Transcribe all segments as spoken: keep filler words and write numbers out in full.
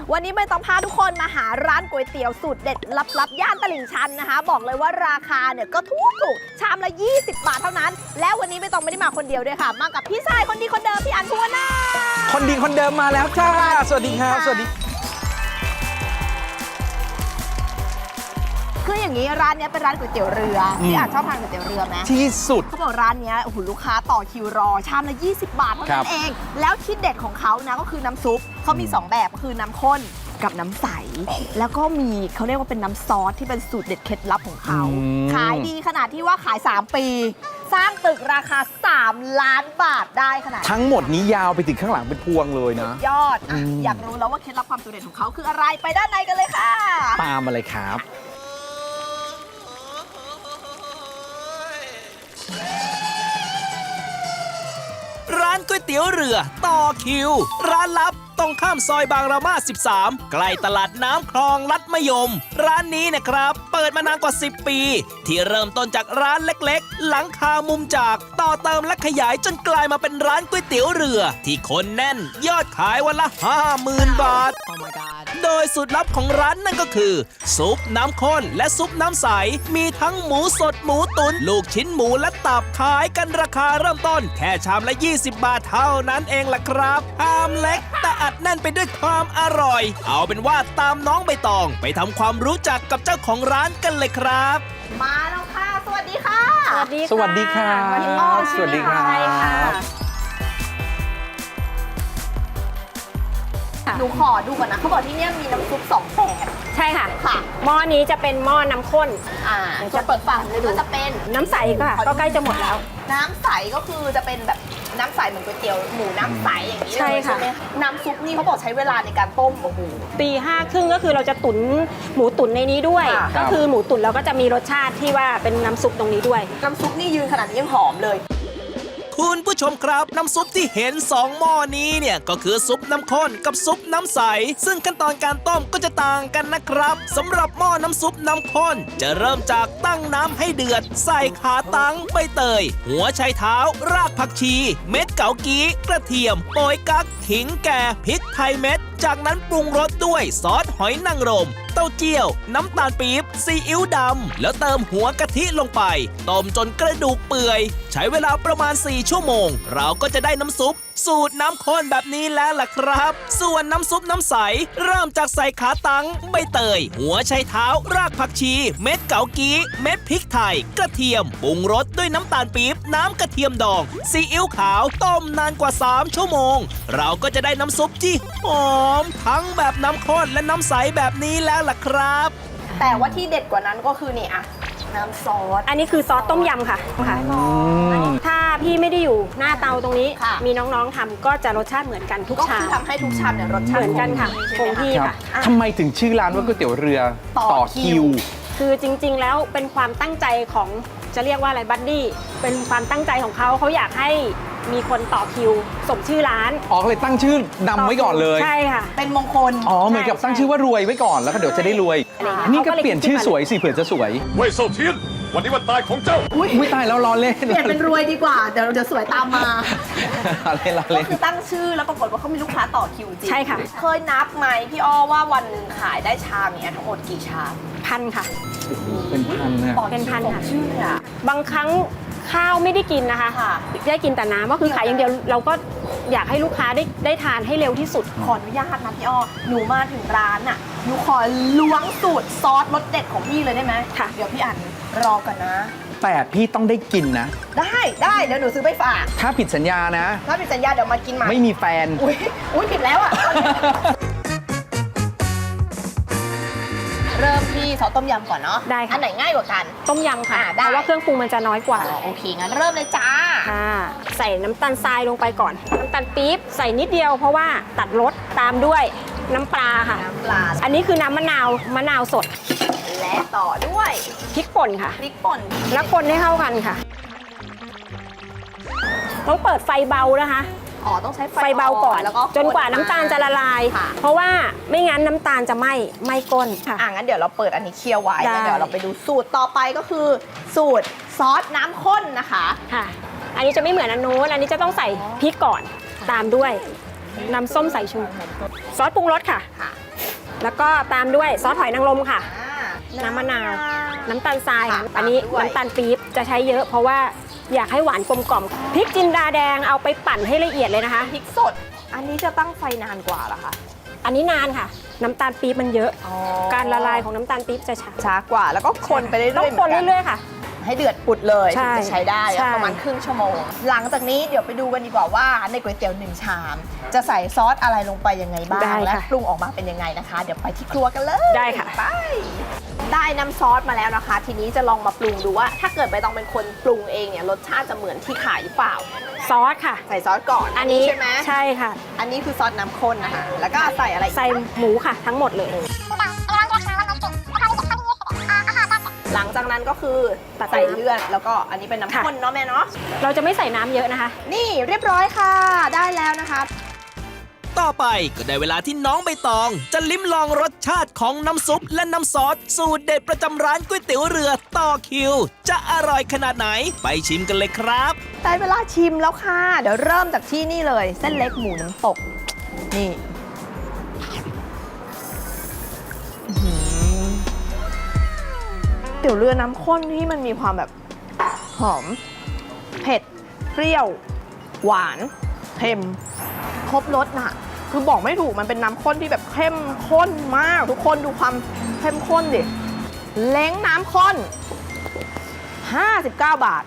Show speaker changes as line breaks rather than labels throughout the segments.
วันนี้ไม่ต้องพาทุกคนมาหาร้านก๋วยเตี๋ยวสูตรเด็ดลับๆย่านตลิ่งชันนะคะบอกเลยว่าราคาเนี่ยก็ถูกถูกชามละยี่สิบบาทเท่านั้นแล้ววันนี้ไม่ต้องไม่ได้มาคนเดียวด้วยค่ะมากับพี่ชายคนดีคนเดิมพี่อันพัวนา
คนดีคนเดิมมาแล้วจ้าสวัสดีครับสวัสดี
คืออย่างนี้ร้านนี้เป็นร้านก๋วยเตี๋ยวเรือพี่อาจชอบทานก๋วยเตี๋ยวเรือไหม
ที่สุด
เขาบอกร้านนี้โอ้โหลูกค้าต่อคิวรอชามละยี่สิบบาทเท่านั้นเองแล้วที่เด็ดของเขานะก็คือน้ำซุปเขามีสองแบบคือน้ำข้นกับน้ำใสแล้วก็มีเขาเรียกว่าเป็นน้ำซอสที่เป็นสูตรเด็ดเคล็ดลับของเขาขายดีขนาดที่ว่าขายสามปีสร้างตึกราคาสามล้านบาทได้ขนาด
ทั้งหมดนี้ยาวไปถึงข้างหลังเป็นพวงเลยนะ
ยอด อ, อยากรู้แล้วว่าเคล็ดลับความสูตรเด็ดของเขาคืออะไรไปด้านในกันเลยค่ะ
ตามมาเลยครับ
ร้านก๋วยเตี๋ยวเรือต่อคิวร้านลับตรงข้ามซอยบางระมาสิบสามใกล้ตลาดน้ำคลองลัดมะยมร้านนี้นะครับเปิดมานานกว่าสิบปีที่เริ่มต้นจากร้านเล็กๆหลังคามุมจากต่อเติมและขยายจนกลายมาเป็นร้านก๋วยเตี๋ยวเรือที่คนแน่นยอดขายวันละ ห้าหมื่น บาท oh my god โดยสูตรลับของร้านนั่นก็คือซุปน้ำข้นและซุปน้ำใสมีทั้งหมูสดหมูตุ๋นลูกชิ้นหมูและตับขายกันราคาเริ่มต้นแค่ชามละยี่สิบบาทเท่านั้นเองล่ะครับชามเล็กแต่อัดแน่นไปด้วยความอร่อยเอาเป็นว่าตามน้องใบตองไปทำความรู้จักกับเจ้าของร้านกันเลยครับ
มาแล้วค่ะสวัสดีค่ะ
สวัสดีค่ะสวัสดีครับสวัสดีครับ
หนูขอดูก่อนนะเขาบอกที่นี่มีน้ำซุปสองแบบ
ใช่ค่ะ
ค่ะ
หม้อนี้จะเป็นหม้อน้ำข้น
อ่าจะเปิดฝาเลยดูจะเป็น
น้ำใสค่ะก็ใกล้จะหมดแล้ว
น้ำใสก็คือจะเป็นแบบน้ำใสเหมือนก๋วยเตี๋ยวหมูน้ำใสอย่างนี้เลยใช่ค่ะน้ำซุปนี่เขาบอกใช้เวลาในการต้มโอ้โห
ตีห้าครึ่งก็คือเราจะตุ๋นหมูตุ๋นในนี้ด้วยก็คือหมูตุ๋นเราก็จะมีรสชาติที่ว่าเป็นน้ำซุปตรงนี้ด้วย
น้ำซุปนี่ยืนขนาดนี้ยังหอมเลย
คุณผู้ชมครับน้ำซุปที่เห็นสองหม้อนี้เนี่ยก็คือซุปน้ำข้นกับซุปน้ำใสซึ่งขั้นตอนการต้มก็จะต่างกันนะครับสำหรับหม้อน้ำซุปน้ำข้นจะเริ่มจากตั้งน้ำให้เดือดใส่ขาตังใบเตยหัวไชเท้ารากผักชีเม็ดเกากีกระเทียมโปยกั๊กขิงแก่พริกไทยเม็ดจากนั้นปรุงรสด้วยซอสหอยนางรมเต้าเจี้ยวน้ำตาลปี๊บซีอิ๊วดำแล้วเติมหัวกะทิลงไปต้มจนกระดูกเปื่อยใช้เวลาประมาณสี่ชั่วโมงเราก็จะได้น้ำซุปสูตรน้ำข้นแบบนี้แล้วล่ะครับส่วนน้ำซุปน้ำใสเริ่มจากใส่ขาตังใบเตยหัวไชเท้ารากผักชีเม็ดเกากีเม็ดพริกไทยกระเทียมปรุงรสด้วยน้ำตาลปี๊บน้ำกระเทียมดองซีอิ๊วขาวต้มนานกว่าสามชั่วโมงเราก็จะได้น้ำซุปที่หอมทั้งแบบน้ำข้นและน้ำใสแบบนี้แล้วล่ะครับ
แต่ว่าที่เด็ดกว่านั้นก็คือนี่อะน้ำซอส
อันนี้คือซอสต้มยำค่ะค่ะถ้าพี่ไม่ได้อยู่หน้าเตาตรงนี้มีน้องๆทำก็จะรสชาติเหมือนกันทุกชาม
ก็คือทำให้ทุกชามเนี่ยรสชาติ
เหมือนกันค่ะคงที่ค่ะ
ทำไมถึงชื่อร้านว่าก๋วยเตี๋ยวเรือต่อคิว
คือจริงๆแล้วเป็นความตั้งใจของจะเรียกว่าอะไรบัดดี้เป็นความตั้งใจของเขาเขาอยากให้มีคนต่อคิวสมชื่อร้าน
อ๋อเลยตั้งชื่อดำไว้ก่อนเลย
ใช่ค่ะ
เป็นมงคล
อ๋อเหมือนกับตั้งชื่อว่ารวยไว้ก่อนแล้วก็เดี๋ยวจะได้รวยนี่ก็เปลี่ยนชื่อสวยสิเผื่อจะสวย
เว่ยเซาเทียนวันนี้วันตายของเจ้า
อุ้ยตายแล้วรอเล่น
เปลี่ยนเป็นรวยดีกว่าเดี๋ยวเดี๋ยวสวยตามมา
อะไรรอเล่น
ก็คือตั้งชื่อแล้วปรากฏว่าเขามีลูกค้าต่อคิวจริง
ใช่ค่ะ
เคยนับไหมพี่อ้อว่าวันหนึ่งขายได้ชามเนี้ยทั้งหมดกี่ชาม
พันค่ะ
เป็นพันนะ
เป็นพันค่ะ
ชื่ออ่ะ
บางครั้งข้าวไม่ได้กินนะคะได้กินแต่น้ำก็คือขายอย่างเดียวเราก็อยากให้ลูกค้าได้ได้ทานให้เร็วที่สุด
ขออนุญาตนะพี่อ้อหนูมาถึงร้านอ่ะหนูขอล้วงสูตรซอสรสเด็ดของพี่เลยได้ไหม
ค่ะ
เดี๋ยวพี่อ่านรอก่อนนะ
แต่พี่ต้องได้กินนะ
ได้ได้เดี๋ยวหนูซื้อไปฝาก
ถ้าผิดสัญญานะ
ถ้าผิดสัญญาเดี๋ยวมากินใหม่
ไม่มีแฟน
อุ้ยอุ้ยผิดแล้วอ่ะเริ่มที่ซอสต้มยำก่อนเนาะ
ได้ค่ะ
อันไหนง่ายกว่ากัน
ต้มยำค่ะเพราะว่าเครื่องปรุงมันจะน้อยกว่า
โอเคงั้นเริ่มเลยจ้า
ค่ะใส่น้ำตาลทรายลงไปก่อนน้ำตาลปี๊บใส่นิดเดียวเพราะว่าตัดรสตามด้วยน้ำปลาค่ะ
น้ำปลา
อันนี้คือน้ำมะนาวมะนาวสด
และต่อด้วย
พริกป่นค่ะ
พริกป่น
แล้วคนให้เข้ากันค่ะต้องเปิดไฟเบานะคะ
อ๋อต้องใช้
ไฟเบาก่อนจนกว่าน้ำตาลจะละลายเพราะว่าไม่งั้นน้ำตาลจะไหม้ไหม้ก้นค่ะ
อ่ะงั้นเดี๋ยวเราเปิดอันนี้เคี่ยวไว้แล้วเดี๋ยวเราไปดูสูตรต่อไปก็คือสูตรซอสน้ำข้นนะคะ
ค่ะอันนี้จะไม่เหมือนอันนู้นอันนี้จะต้องใส่พริกก่อนตามด้วยน้ำส้มสายชูซอสปรุงรสค่ะแล้วก็ตามด้วยซอสหอยนางรมค่ะ
อ่า
น้ำมะนาว น้ำตาลทรายค่ะ
ค่ะ
อันนี้
ด้วย
น้ำตาลปี๊บจะใช้เยอะเพราะว่าอยากให้หวานกลมกล่อมพริกจินดาแดงเอาไปปั่นให้ละเอียดเลยนะคะ
พริกสด อันนี้จะตั้งไฟนานกว่าเหรอคะ
อันนี้นานค่ะ น้ำตาลปี๊บมันเยอะ
อ๋อ
การละลายของน้ำตาลปี๊บจะช้า
ช้ากว่า แล้วก็คนไปเรื่อยๆ
ต้องคน
หมืกั
เรื่อยๆค่ะ
ให้เดือดปุดเลย
ใช่
ถึงจะใช้ได้
ใช่
ประมาณครึ่งชั่วโมง หลังจากนี้เดี๋ยวไปดูกันดีกว่าว่าในก๋วยเตี๋ยวหนึ่งชาม จะใส่ซอสอะไรลงไปยังไงบ้าง
ได้
และ
ค่ะ
ปรุงออกมาเป็นยังไงนะคะ เดี๋ยวไปที่ครัวกันเลย
ได้ค่ะ
ไปได้น้ำซอสมาแล้วนะคะ ทีนี้จะลองมาปรุงดูว่า ถ้าเกิดใบตองเป็นคนปรุงเองเนี่ยรสชาติจะเหมือนที่ขายหรือเปล่า
ซอสค่ะ
ใส่ซอสก่อน
อันนี้
ใช่ไหม
ใช่ค่ะ
อันนี้คือซอสน้ำข้นนะคะ แล้วก็ใส่อะไรอีก
ใส่หมูค่ะทั้งหมดเลย
หลังจากนั้นก็คือ
ตัด
ใส่
น้ำ
เลือดแล้วก็อันนี้เป็นน้ำ
ค่ะ
ข้นเนาะแม่เนาะ
เราจะไม่ใส่น้ำเยอะนะคะ
นี่เรียบร้อยค่ะ ได้แล้วนะคะ
ต่อไปก็ได้เวลาที่น้องใบตอง จะลิ้มลองรสชาติของน้ำซุปและน้ำซอสสูตรเด็ดประจำร้านก๋วยเตี๋ยวเรือต่อคิว จะอร่อยขนาดไหนไปชิมกันเลยครับ
ได้เวลาชิมแล้วค่ะ เดี๋ยวเริ่มจากที่นี่เลย เส้นเล็กหมูน้ำตก นี่อื้อหือเตี๋ยวเรือน้ำข้นที่มันมีความแบบหอม เผ็ด เปรี้ยว หวาน เค็ม ครบรสน่ะ คือบอกไม่ถูกมันเป็นน้ำข้นที่แบบเข้มข้นมาก ทุกคนดูความเข้มข้นดิ เล้งน้ำข้น ห้าสิบเก้า บาท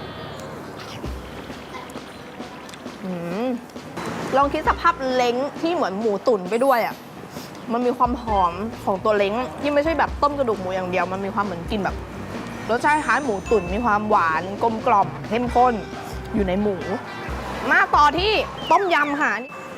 อืมลองคิดสภาพเล้งที่เหมือนหมูตุ๋นไปด้วยอ่ะ มันมีความหอมของตัวเล้งที่ไม่ใช่แบบต้มกระดูกหมูอย่างเดียว มันมีความเหมือนกินแบบรสชาติคล้ายหมูตุ๋นมีความหวานกลมกล่อมเข้มข้นอยู่ในหมู มาต่อที่ต้มยำค่ะ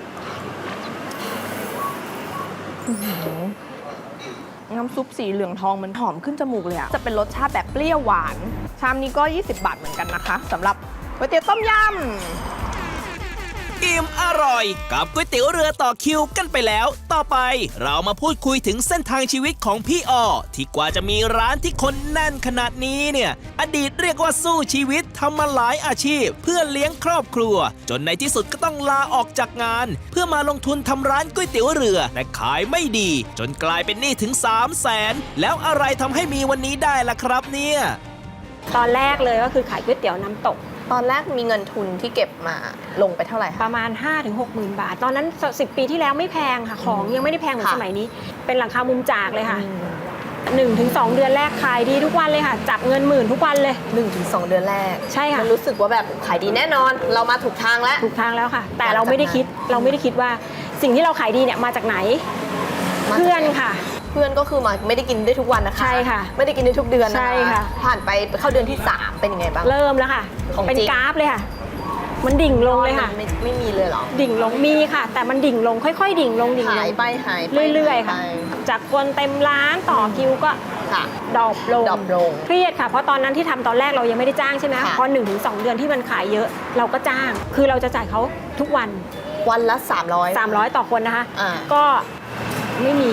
อื้อหือน้ำซุปสีเหลืองทองมันหอมขึ้นจมูกเลยอะจะเป็นรสชาติแบบเปรี้ยวหวาน ชามนี้ก็ ยี่สิบบาทเหมือนกันนะคะสำหรับก๋วยเตี๋ยวต้มยำ
อิ่มอร่อยกับก๋วยเตี๋ยวเรือต่อคิวกันไปแล้ว ต่อไปเรามาพูดคุยถึงเส้นทางชีวิตของพี่ออที่กว่าจะมีร้านที่คนแน่นขนาดนี้เนี่ยอดีตเรียกว่าสู้ชีวิตทำมาหลายอาชีพ เพื่อเลี้ยงครอบครัว จนในที่สุดก็ต้องลาออกจากงาน เพื่อมาลงทุนทำร้านก๋วยเตี๋ยวเรือแต่ขายไม่ดี จนกลายเป็นหนี้ถึงสามแสนแล้วอะไรทำให้มีวันนี้ได้ล่ะครับเนี่ย
ตอนแรกเลยก็คือขายก๋วยเตี๋ยวน้ำตก
ตอนแรกมีเงินทุนที่เก็บมาลงไปเท่าไหร่
ป
คะ
ระมาณ ห้าถึงหกหมื่น บาท ตอนนั้นสิบปีที่แล้วไม่แพงค่ะ ของยังไม่ได้แพงเหมือน
ค่ะ
สมัยนี้ เป็นหลังคามุมจากเลยค่ะ
อืม
หนึ่งถึงสองเดือนแรกขายดีทุกวันเลยค่ะ จับเงินหมื่นทุกวันเลย
หนึ่งถึงสองเดือนแรก
ใช่ค่ะ
มันรู้สึกว่าแบบขายดีแน่นอน เรามาถูกทางแล้ว
ถูกทางแล้วค่ะ แต่เราไม่ได้คิดเราไม่ได้คิดว่าสิ่งที่เราขายดีเนี่ยมาจากไหน
มาจากไหน
เพื่อนค่ะ
เพื่อนก็คือมาไม่ได้กินได้ทุกวันนะคะ
ใช่ค่ะ
ไม่ได้กินได้ทุกเดือนนะคะ
ใช่ค่ะ
ผ่านไปเข้าเดือนที่สามเป็นยังไงบ้าง
เริ่มแล้วค่ะ
ของจริง
เป็นกราฟเลยค่ะ มันดิ่งลงเลยค่ะ
ไม่ไม่มีเลยเหรอ
ดิ่งลงมีค่ะ แต่มันดิ่งลงค่อยๆ ดิ่งลงดิ่งล
หาย
ง
ไปหายไป
เรื่อยๆ ค่ะ
หาไป
จากคนเต็มร้านต่อคิวก็
ค่ะ
ดรอปลง
ดรอปลง
เครียดค่ะ เพราะตอนนั้นที่ทำตอนแรกเรายังไม่ได้จ้างใช่ไหม
ค่ะ
พอหนึ่งถึงสองเดือนที่มันขายเยอะ เราก็จ้าง คือเราจะจ่ายเขาทุกวัน
วันละสามร้อย
สามร้อยต่อคนนะคะ
อ่า
ก็ไม่มี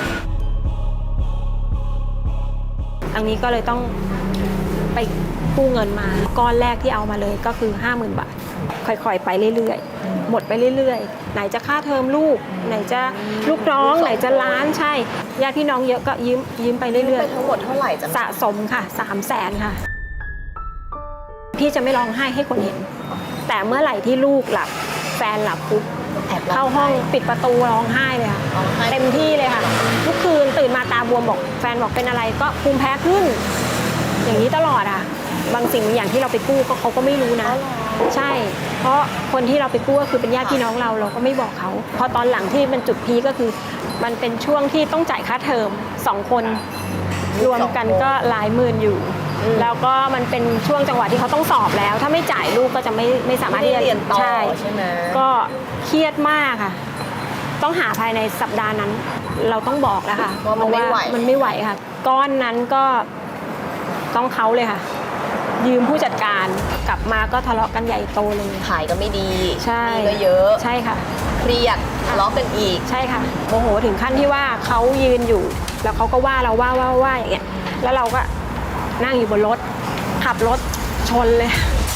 อันนี้ก็เลยต้องไปกู้เงินมา ก้อนแรกที่เอามาเลยก็คือ ห้าหมื่น บาท ค่อยๆ ไปเรื่อยๆ หมดไปเรื่อยๆ ไหนจะค่าเทอมลูก ไหนจะลูกน้อง ไหนจะร้านใช่ ญาติพี่น้องเยอะก็ยืมยืมไปเรื่
ไป
อย
ทั้งหมดเท่าไหร่จ๊ะ
ๆ สะสมค่ะ สามแสนค่ะ พี่จะไม่ร้องไห้ให้คนเห็น แต่เมื่อไหร่ที่ลูกหลับ แฟนหลับปุ๊บ
แอบร้
เข้าห้องปิดประตูร้องไห้เลยค่ะ
ร้องไห้
เต็มที่เลยค่ะ ทุกคืนตื่นมาตาบวมบอกแฟนบอกเป็นอะไรก็ภูมิแพ้ขึ้น อย่างนี้ตลอดอ่ะ บางสิ่งบางอย่างที่เราไปกู้ก็เขาก็ไม่รู้นะ ใช่ เพราะคนที่เราไปกู้ก็คือเป็นญาติพี่น้องเราเราก็ไม่บอกเขาพอตอนหลังที่มันจุดพีคก็คือ มันเป็นช่วงที่ต้องจ่ายค่าเทอมสองคนรวมกันก็หลายหมื่นอยู่ แล้วก็มันเป็นช่วงจังหวะที่เขาต้องสอบแล้ว ถ้าไม่จ่ายลูกก็จะไม่ไม่สามารถ
ไม่
ที่
ได้
จะ
เรียนต่อ
ใช่
ใช่ไหม
ก็เครียดมากค่ะ ต้องหาภายในสัปดาห์นั้น เราต้องบอกแล้วค่ะ
ว่ามันไม่ไหว
เพราะามันไม่ไหวค่ะ ก้อนนั้นก็ต้องเขาเลยค่ะ ยืมผู้จัดการกลับมาก็ทะเลาะกันใหญ่โตเลย
ขายก็ไม่ดี
ใช่
หนี้ก็เยอะ
ใช่ค่ะ
เครียดทะเลาะกันอีก
ใช่ค่ะโมโหถึงขั้นที่ว่าเขายืนอยู่ แล้วเขาก็ว่าเราว่าว่าว่าอย่างเงี้ยแล้วเราก็นั่งอยู่บนรถ ขับรถชนเลย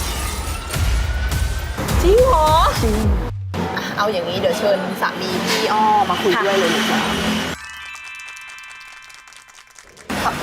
จริงเหรอ
จริง
เอาอย่างนี้เดี๋ยวเชิญสามีพี่อ้อมาคุย
ค่ะ
ด้วยเลยดีกว่า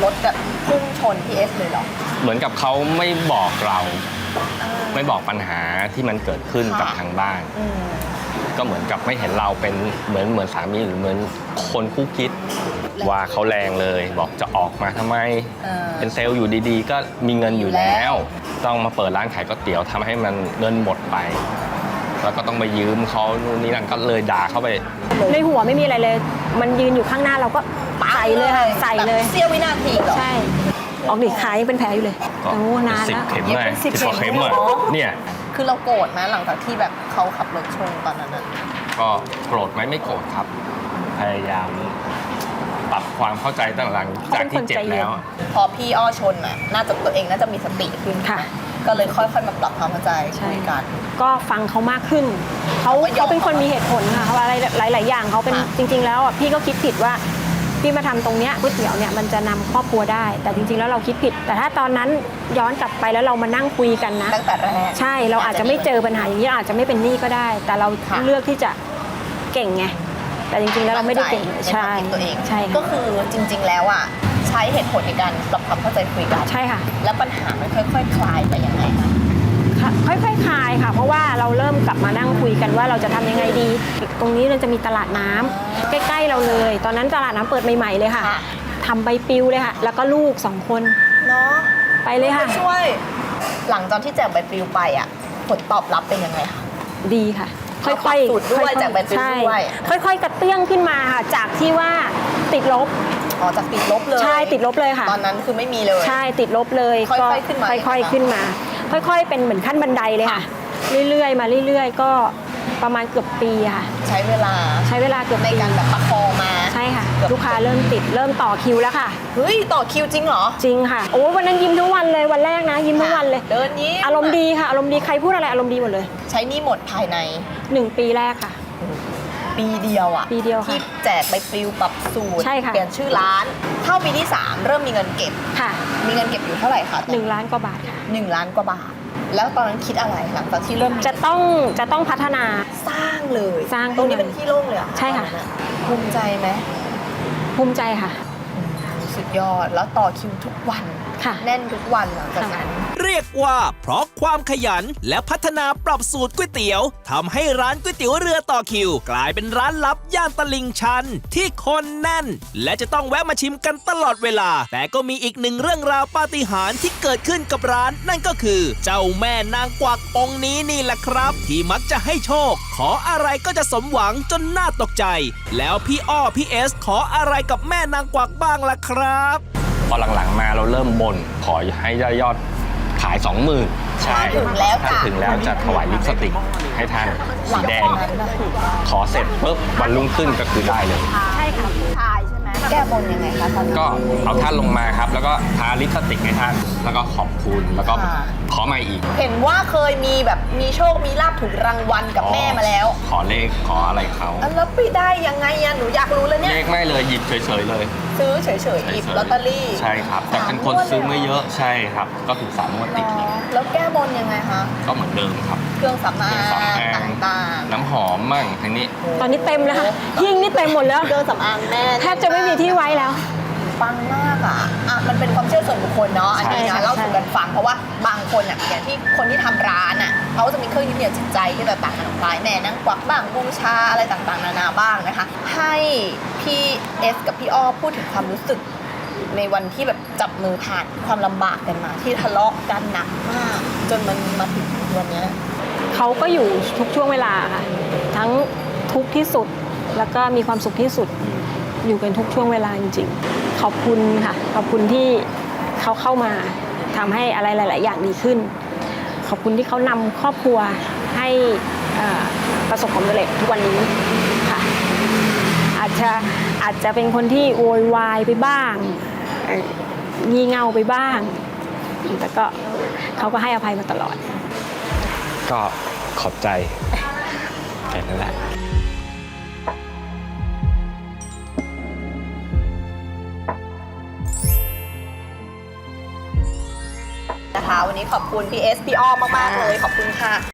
รถแบบพุ่งชนพี่เอสเลยเหรอ
เหมือนกับเขาไม่บอกเรา
อ่า
ไม่บอกปัญหาที่มันเกิดขึ้นกับ
ค่ะ
ทางบ้าน
อืม
ก็เหมือนกับไม่เห็นเราเป็นเหมือนเหมือนสามีหรือเหมือนคนคู่คิดว่าเขาแรงเลย บอกจะออกมาทำไม
เออ
เป็นเซลล์อยู่ดีๆ ก็มีเงินอยู่แล้ว ต้องมาเปิดร้านขายก๋วยเตี๋ยวทำให้มันเงินหมดไป แล้วก็ต้องไปยืมเขานู่นนี่นั่นก็เลยด่าเข้าไป
ในหัวไม่มีอะไรเลย มันยืนอยู่ข้างหน้าเราก็ใส่เลยค่ะใส่เลย
แบบเสี้ยววินาทีเหรอ
ใช่ ออกดิขายังเป็นแผลอยู่เลย
ก็
โอ้นาน
สิบ
แล้ว
เข็ม
ยัง
เล
เป็
ย
นสิ
สิ
บบ
กว่าเข็ม
เข็ม
เลย
เหรอ
เนี่ย
คือเราโกรธนะหลังจากที่แบบเขาขับรถชนตอนนั้นอะ
ก็โกรธไหมไม่โกรธครับ พยายามปรับความเข้าใจตั้งหลังจากที่เจ็บแล้ว
พอพี่อ้อชนน่ะน่าจะตัวเองน่าจะมีสติขึ้น
ค่ะ
ก็เลยค่อยๆมาปรับความเข้าใจ
ใช่
คุยกัน
ก็ฟังเขามากขึ้น เขา
เขาก็ยอม
เขาเป็นคนมีเหตุผลค่ะเขาอะไรหลาย ๆ อย่างเขาเป็น
ค่ะ
จริง ๆ แล้วอ่ะพี่ก็คิดผิดว่าพี่มาทำตรงเนี้ยก๋วยเตี๋ยวเนี่ยมันจะนำครอบครัวได้ แต่จริง ๆ แล้วเราคิดผิด แต่ถ้าตอนนั้นย้อนกลับไปแล้วเรามานั่งคุยกันนะ
ตั้งแต่แรก
ใช่เราอาจจะไม่เจอปัญหาอย่างนี้เราอาจจะไม่เป็นหนี้ก็ได้ แต่เรา
ค่ะ
เลือกที่จะเก่งไงแต่จริง ๆ แล้วเราไม่ได้เก่ง
ใน
ใช่
ความคิดตัวเอง
ใช่
ก็
ค่ะ
คือจริง ๆ แล้วอ่ะใช้เหตุผลในการปรับความเข้าใจคุยกัน
ใช่ค่ะ
แล้วปัญหามันค่อยๆ คลายไปยังไงคะ
ค่ะค่อยๆคลายค่ะ เพราะว่าเราเริ่มกลับมานั่งคุยกันว่าเราจะทำยังไงดี ตรงนี้เราจะมีตลาดน้ำใกล้ ๆ เราเลย ตอนนั้นตลาดน้ำเปิดใหม่ ๆ เลยค่ะ
ค่ะ
ทำใบปลิวเลยค่ะ แล้วก็ลูกสองคน
เนาะ
ไปเลยค่ะ
ช่วย หลังจากที่แจกใบปลิวไปอ่ะผลตอบรับเป็นยังไงคะ
ดีค่ะ ค่
ปรั
อย
บสูตรด้วย
ๆ
จากใบปลิว
ใช่
ด้วย
ค่อย ๆ กระเตื้องขึ้นมาค่ะ จากที่ว่าติดลบ
อ๋อจากติดลบเลย
ใช่ติดลบเลยค่ะ
ตอนนั้นคือไม่มีเลย
ใช่ติดลบเลย
ค่อยๆ
ก็
ขึ้นมา
ค่อยๆขึ้นมา ค่อย ๆ เป็นเหมือนขั้นบันไดเลยค่ะ เรื่อยๆ มาเรื่อย ๆ ก็ประมาณเกือบปีค่ะ
ใช้เวลา
ใช้เวลาเกือบ
ใน
ปี
การแบบประคองมา
ใช่ค่ะ
เกือบ
ลูกค้าเริ่มติดเริ่มต่อคิวแล้วค่ะ
เฮ้ยต่อคิวจริงเหรอ
จริงค่ะโอ้วันนั้นยิ้มทั้งวันเลยวันแรกนะ ยิ้มทั้งวันเลย
เดินยิ้ม
อารมณ์ดีค่ะ อารมณ์ดีใครพูดอะไรอารมณ์ดีหมดเลย
ใช้หนี่หมดภายใน
หนึ่งปีแรกค่ะ
ปีเดียวอ่ะ
ปีเดียวค่ะ
ที่แจกใบปลิวปรับสูตร
ใช่ค่ะ
เปลี่ยนชื่อร้าน เข้าปีที่สามเริ่มมีเงินเก็บ
ค่ะ
มีเงินเก็บอยู่เท่าไหร่คะ
หนึ่งล้านกว่าบาทค่ะ
หนึ่งล้านกว่าบาท แล้วตอนนั้นคิดอะไรหลังจากที่เริ่มมี
จะต้องจะต้องพัฒนา
สร้างเลย
สร้าง
ตรงนี้
ขึ้นมา
เป็นที่โล่งเลยเหรอ
ใช่ค่ะ
ตอนนั้นอภูมิใจไหม
ภูมิใจค่ะ
สุดยอดแล้วต่อคิวทุกวัน
ค่ะ
แน่นทุกวันหลังจากนั้น
เรียกว่าเพราะความขยันและพัฒนาปรับสูตรก๋วยเตี๋ยวทำให้ร้านก๋วยเตี๋ยวเรือต่อคิว กลายเป็นร้านลับย่านตลิ่งชัน ที่คนแน่น และจะต้องแวะมาชิมกันตลอดเวลา แต่ก็มีอีกหนึ่งเรื่องราวปาฏิหาริย์ที่เกิดขึ้นกับร้าน นั่นก็คือ เจ้าแม่นางกวักองค์นี้นี่แหละครับ ที่มักจะให้โชค ขออะไรก็จะสมหวังจนน่าตกใจ แล้วพี่อ้อพี่เอสขออะไรกับแม่นางกวักบ้างล่ะครับ
พอหลังๆมาเราเริ่มบนขอให้ได้ยอดขายสองหมื่นใช่
ถึงแล้วจ้ะ
ถ้าถึงแล้วจะถวายลิปสติกให้ท่าน
หลั
สี
ง
แด
จาง กนั้นนะถูก
ขอเสร็จปุ๊บวันรุ่งขึ้นก็คือได้เลย
ใช่ค่ะผู้ชายใช่ไหมแก้บนยังไงคะตอนนั้น
ก็เอาท่านลงมาครับ แล้วก็ทาลิปสติกให้ท่าน แล้วก็ขอบคุณแล้วก็
ค่ะ
ขอมาอีก
เห็นว่าเคยมีแบบมีโชคมีลาภถูกรางวัลกับแม่มาแล้ว
ขอเลขขออะไรเขา
อ่ะแล้วไปได้ยังไงอะหนูอยากรู้เลยเนี่ย
เลขไม่เลยหยิบเฉยๆเลย
ซื้อเฉยๆหยิบลอตเตอรี่
ใช่ครับ แต่เป็นคนซื้อไม่เยอะใช่ครับ ก็ถูกสามงวดติด
เนาะแล้วแก้บนยังไงคะ
ก็เหมือนเดิมครับ
เครื่องสำ
เค
อา
รื่องสำอาง
งต่าง
น้ำหอมมั่งทางนี้
ๆ
ตอนนี้เต็มแล้วค่ะหิ้งนี่เต็มหมดแล้ว
เครื่องสำอางแม่
แทบจะไม่มีที่ไว้แล้ว
ปังมากอ่ะอ่ะมันเป็นความเชื่อส่วนบุคคลเนาะอันนี้
ใช่
นะ
ค่ะ
เล่าสู่กันฟังเพราะว่าบางคนอ่ะอย่างที่คนที่ทำร้านอ่ะเขาจะมีเครื่องยึดเหนี่ยวจิตใจที่แตกต่างกันออกไปแม่นั่งกวักบ้างบูชาอะไรต่างๆนานาบ้างนะคะ ให้พี่เอสกับพี่อ้อพูดถึงความรู้สึก ในวันที่แบบจับมือผ่านความลำบากกันมา ที่ทะเลาะกันหนักมาก จนมันมาถึงวันเนี้ย
เขาก็อยู่ทุกช่วงเวลาค่ะ ทั้งทุกข์ที่สุด แล้วก็มีความสุขที่สุด อยู่กันทุกช่วงเวลาจริงๆ ขอบคุณค่ะ ขอบคุณที่เขาเข้ามาทำให้อะไรหลาย ๆ อย่างดีขึ้น ขอบคุณที่เขานำครอบครัวให้เอ่อประสบความสำเร็จทุกวันนี้ค่ะ อาจจะอาจจะเป็นคนที่โวยวายไปบ้างเอ่องี่เง่าไปบ้าง แต่ก็เขาก็ให้อภัยมาตลอด
ก็ขอบใจแค่นั้นแหละ
นะคะวันนี้ขอบคุณพี่เอสพี่อ้อมมากๆเลยขอบคุณค่ะ